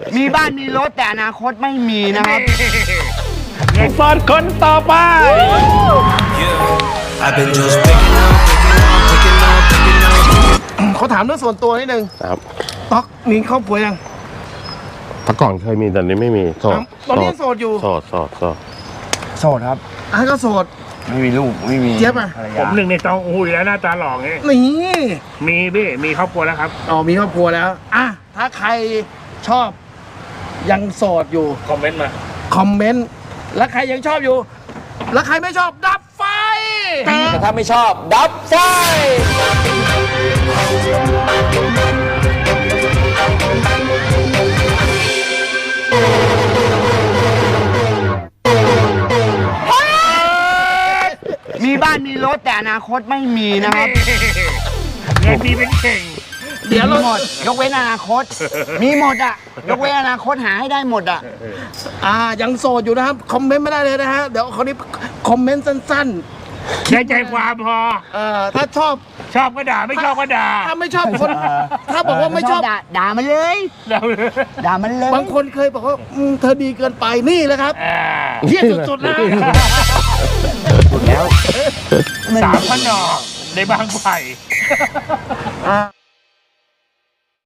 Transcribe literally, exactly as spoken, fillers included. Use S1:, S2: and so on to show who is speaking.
S1: มีบ้านมีรถแต่อนาคตไม่มีนะครับ
S2: สอนคนต่อไป
S3: เขาถามเรื่องส่วนตัวนิดนึง
S2: ครับ
S3: ต๊อกมีครอบครัวยัง
S2: แต่ก่อนเคยมีแต่นี้ไม่มีโสด
S3: ตอนนี้โสดอยู่
S2: โสดโสดโสด
S1: โสดครับ
S3: อ่ะก็โสด
S1: ไม่มีลูกไม่มี
S3: เจี๊ยบอ่ะ
S1: ภรร
S4: ผ
S1: ยาม
S4: หนึ่งในตองอุ้ยแล้วหน้าตาหล่อไง
S3: นี่
S4: มีพี่มีครอบครัวแล้วครับ
S3: อ๋อมีครอบครัวแล้วอ่ะถ้าใครชอบยังโสดอยู่
S4: คอมเมนต์มา
S3: คอมเมนต์แล้วใครยังชอบอยู่ แล้วใครไม่ชอบดับไฟ
S1: แต่ถ้าไม่ชอบดับไฟมีบ้านมีรถแต่อนาคตไม่มีนะครับ
S4: เงินดีเป็นเข่ง
S3: เดี๋ยว
S1: มี
S3: เรา
S1: หมดยกเว้นอนาคต มีหมดอ่ะยกเว้นอนาคตหาให้ได้หมดอ่ะ
S3: อ่ายังโสดอยู่นะครับคอมเมนต์ไม่ได้เลยนะฮะเดี๋ยวคนนี้คอมเมนต์สั้น
S4: ได้ใจความพอ
S3: ๆเอ่อถ้าชอบ
S4: ชอบก็ด่าไม่ชอบก็ด่า
S3: ถ้าไม่ชอบคน ถ้าบอกว่าไม่ชอบ
S1: ด่าด่ามันเลย
S4: เราเลย
S1: ด่ามันเลย
S3: บางคนเคยบอกว่าอืมเธอดีเกินไปนี่แหละครับ
S4: อ่า
S3: เฮี้ยสุดๆนะ
S1: แล้ว
S4: สามพันดอกในบางไผ่
S3: อ่า